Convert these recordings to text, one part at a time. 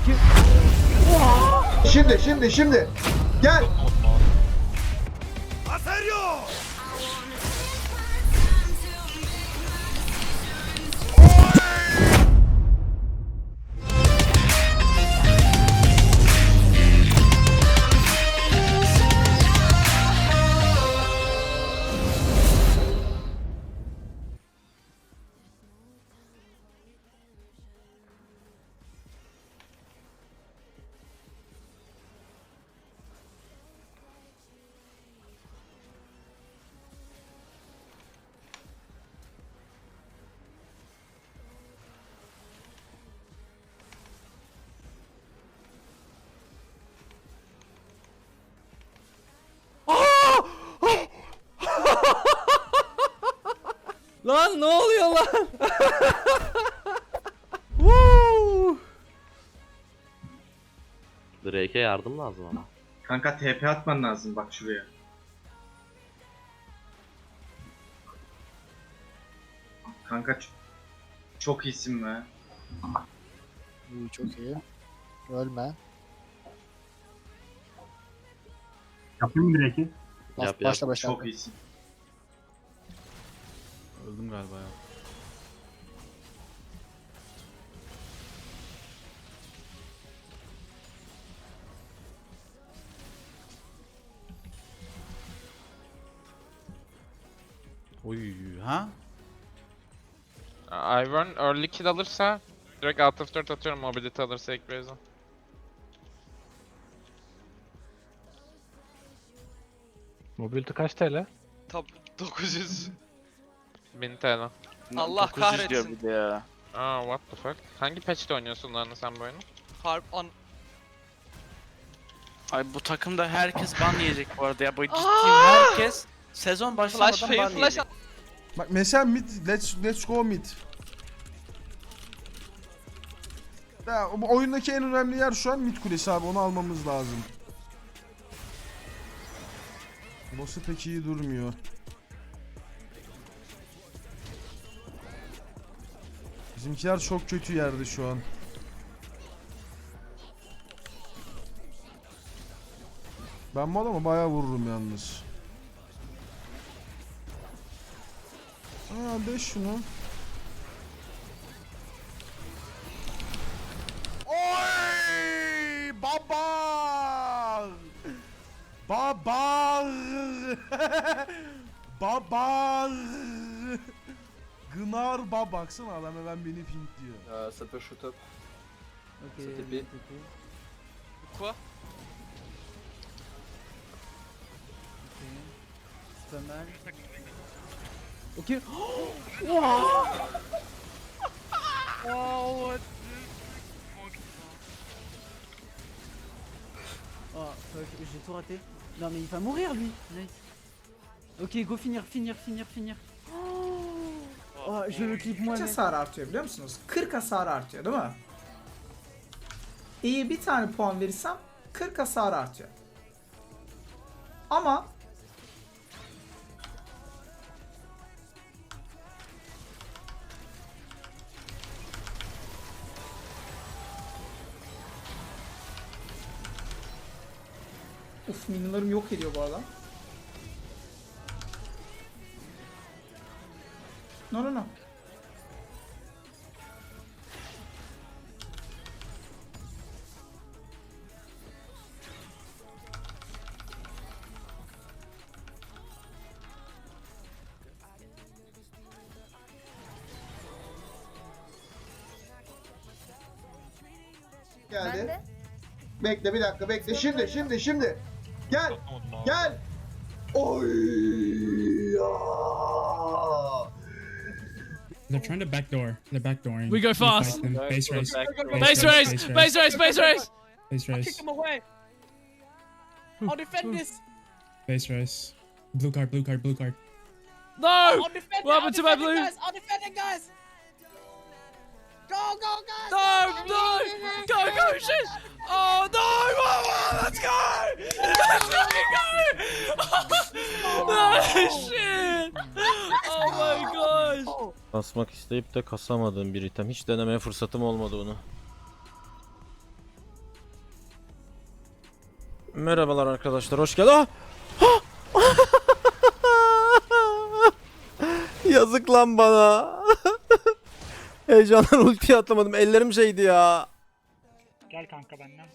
Şimdi. Gel. Lan ne oluyor lan? Woo! Drake'e yardım lazım ama. Kanka TP atman lazım bak şuraya. Kanka çok iyisin be. İyi, çok iyi. Ölme. Yapayım mı direkt? Yap. Başla. Çok iyisin. Öldüm galiba ya. Oy ha? Ivern early kill alırsa direkt alt F4 atıyorum, mobility alırsa ilk base'e. Mobility kaç TL? Top 900. 1000 TL. Allah kahretsin. Bir de ya. Aa what the fuck. Hangi patch'te oynuyorsun lan sen bu oyunu? Harp on. Ay bu takımda herkes ban yiyecek bu arada ya. Bu ciddiyim, herkes sezon başlamadan Flash ban fail flash yiyecek. at. Bak mesela mid, let's go mid. Ya, bu oyundaki en önemli yer şu an mid kulesi abi, onu almamız lazım. Boss'u pek iyi durmuyor. Bizimkiler çok kötü yerde şu an. Ben bu adama bayağı vururum yalnız. Aa, de şunu. Oy! Baba! Baba! Baba! Gınar baba, baksana adam hemen beni pink diyor. Ça peut shoot up. Ok. Ça TP. Quoi? C'est pas mal. Ok. Wow! Oh fuck, j'ai tout raté. Non mais il va mourir lui. Nice. Ok, go finir. Oh, je le clip moi. Kaç hasar artıyor biliyor musunuz? 40 hasar artıyor değil mi? İyi bir tane puan verirsem 40 hasar artıyor. Ama uf, minionlarım yok ediyor bu adam. No. Geldi. Bekle bir dakika, bekle. Şimdi. Gel. Oy! Ya! They're trying to backdoor. They're backdooring. We go fast. Fight them. Base race. Base race! Base race! Base race! Base race. Kick him away. I'll defend this. Base race. Blue card. No! I'll defend What happened to my blue? I'll defend it, guys. Go, guys. No! Go, shit! Oh no! Let's go! Let's fucking go! Oh shit! Oh my gosh! Kasmak isteyip de kasamadığım bir item. Hiç denemeye fırsatım olmadı onu. Merhabalar arkadaşlar, hoş geldin. Yazık lan bana. Heyecandan ultiyi atlamadım. Ellerim şeydi ya. Gel kanka benden.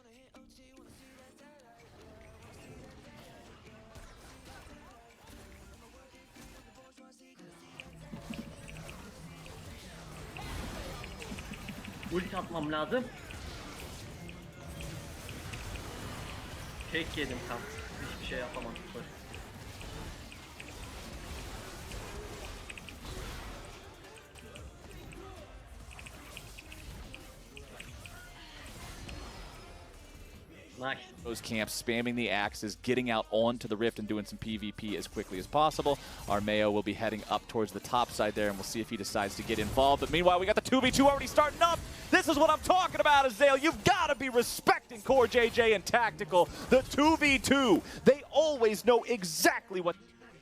Ulti atmam lazım. Tek yedim tam. Hiçbir şey yapamam. Nice. Those camps spamming the axes, getting out onto the rift and doing some PvP as quickly as possible. Armeo will be heading up towards the top side there, and we'll see if he decides to get involved. But meanwhile, we got the 2v2 already starting up. This is what I'm talking about, Azale. You've got to be respecting Core JJ and Tactical. The 2v2, they always know exactly what...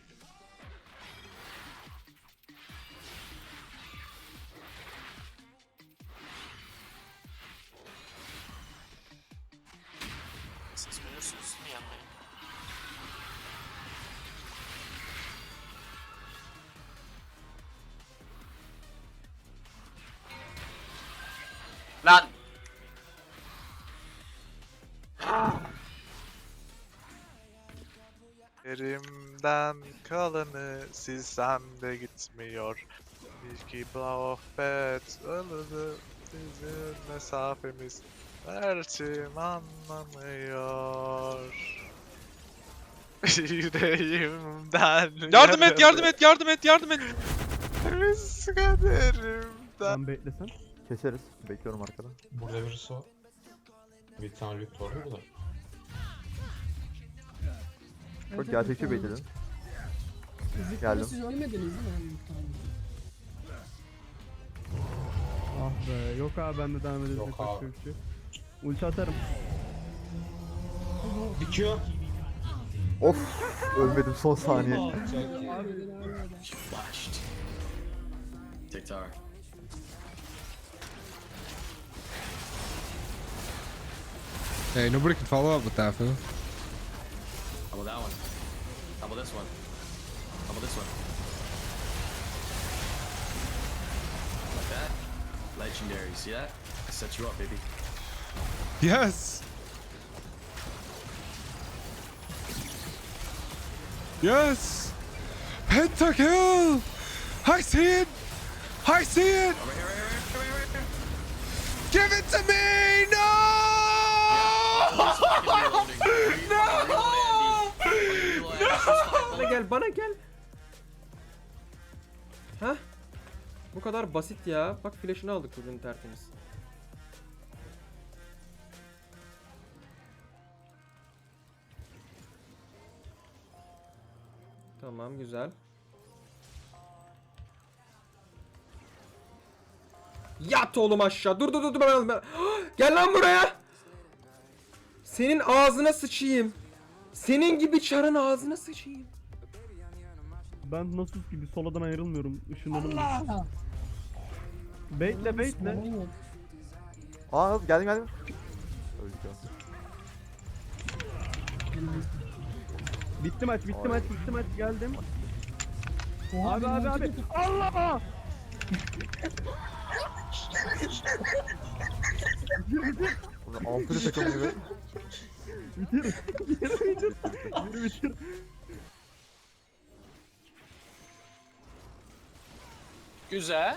Lan! Elimden kalanı silsem de gitmiyor. İlki blow of bed ılıdı bizim mesafemiz. Erçim anlamıyor. Yüreğimden yardım et, yardım et, yardım et, yardım et. Biz kaderimden. Beklesen. Keseriz. Bekliyorum arkada. Burada birisi var. Bir tane lüt var burada. Çok gerçekçi bekledin. Geldim. Siz ölmediniz değil mi? Ah be, yok abi ben de devam edeceğim. Yok abi. Ulti atarım. Bitiyor. Of! Ölmedim son saniye. TikTok. Hey, nobody can follow up with that, fool. How about that one? How about this one? How about this one? Like that? Legendary, see that? I set you up, baby. Yes! Yes! Pentakill! I see it! I see it! Give it to me! No! Bana gel, bana gel. Hah? Bu kadar basit ya. Bak flash'ını aldık bugün tertemiz. Tamam, güzel. Yat oğlum aşağı. Dur ben. Gel lan buraya. Senin ağzına sıçayım. Senin gibi çarın ağzına sıçayım. Ben nasıl gibi soladan ayrılmıyorum. Işınlanım. Bekle. Aa geldim. Öldük ya. Bitti maç geldim. Abi. Allah! Ampulü takım gibi. Bitir. Güzel.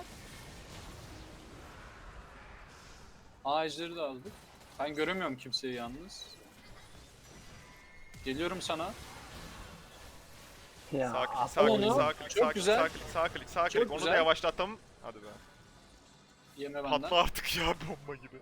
Ağaçları da aldık. Ben göremiyorum kimseyi yalnız. Geliyorum sana. Ya. Çok güzel. Sağ klik. Çok Onu güzel. da yavaşlattım. Hadi be. Yeme benden. Patla artık ya bomba gibi.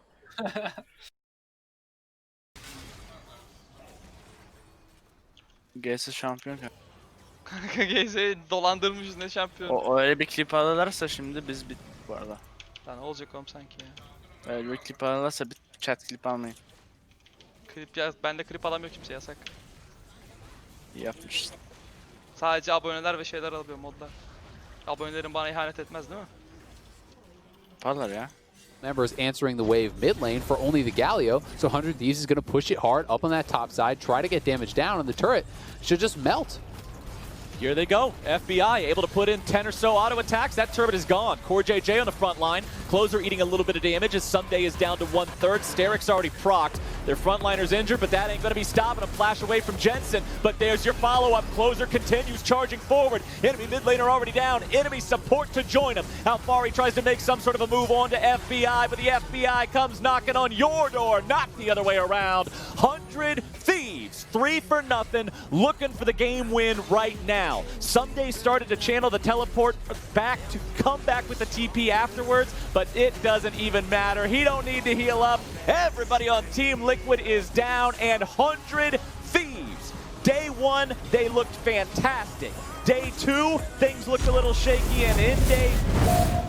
GS şampiyon. Kanka GS'yi dolandırmışız ne şampiyon. O öyle bir klip alırlarsa şimdi biz bittik bu arada. Lan olacak oğlum sanki ya. Öyle bir klip alırlarsa bir chat klip almayın. Klip ya ben de klip alamıyor kimse yasak. İyi yapmışsın. Sadece aboneler ve şeyler alıyor modlar. Abonelerin bana ihanet etmez değil mi? Yaparlar ya. members answering the wave mid lane for only the Galio. So 100 Thieves is going to push it hard up on that top side, try to get damage down, and the turret should just melt. Here they go. FBI able to put in 10 or so auto attacks. That turret is gone. Core JJ on the front line. Closer eating a little bit of damage as Sunday is down to 1/3. Steric's already procced. Their frontliner's injured, but that ain't going to be stopping him. Flash away from Jensen, but there's your follow-up. Closer continues charging forward. Enemy mid laner already down. Enemy support to join him. Alfari tries to make some sort of a move on to FBI, but the FBI comes knocking on your door, not the other way around. 100 Thieves, 3 for nothing, looking for the game win right now. Sunday started to channel the teleport back to come back with the TP afterwards, but it doesn't even matter. He don't need to heal up. Everybody on Team Liquid is down, and 100 Thieves. Day 1, they looked fantastic. Day 2, things looked a little shaky, and in day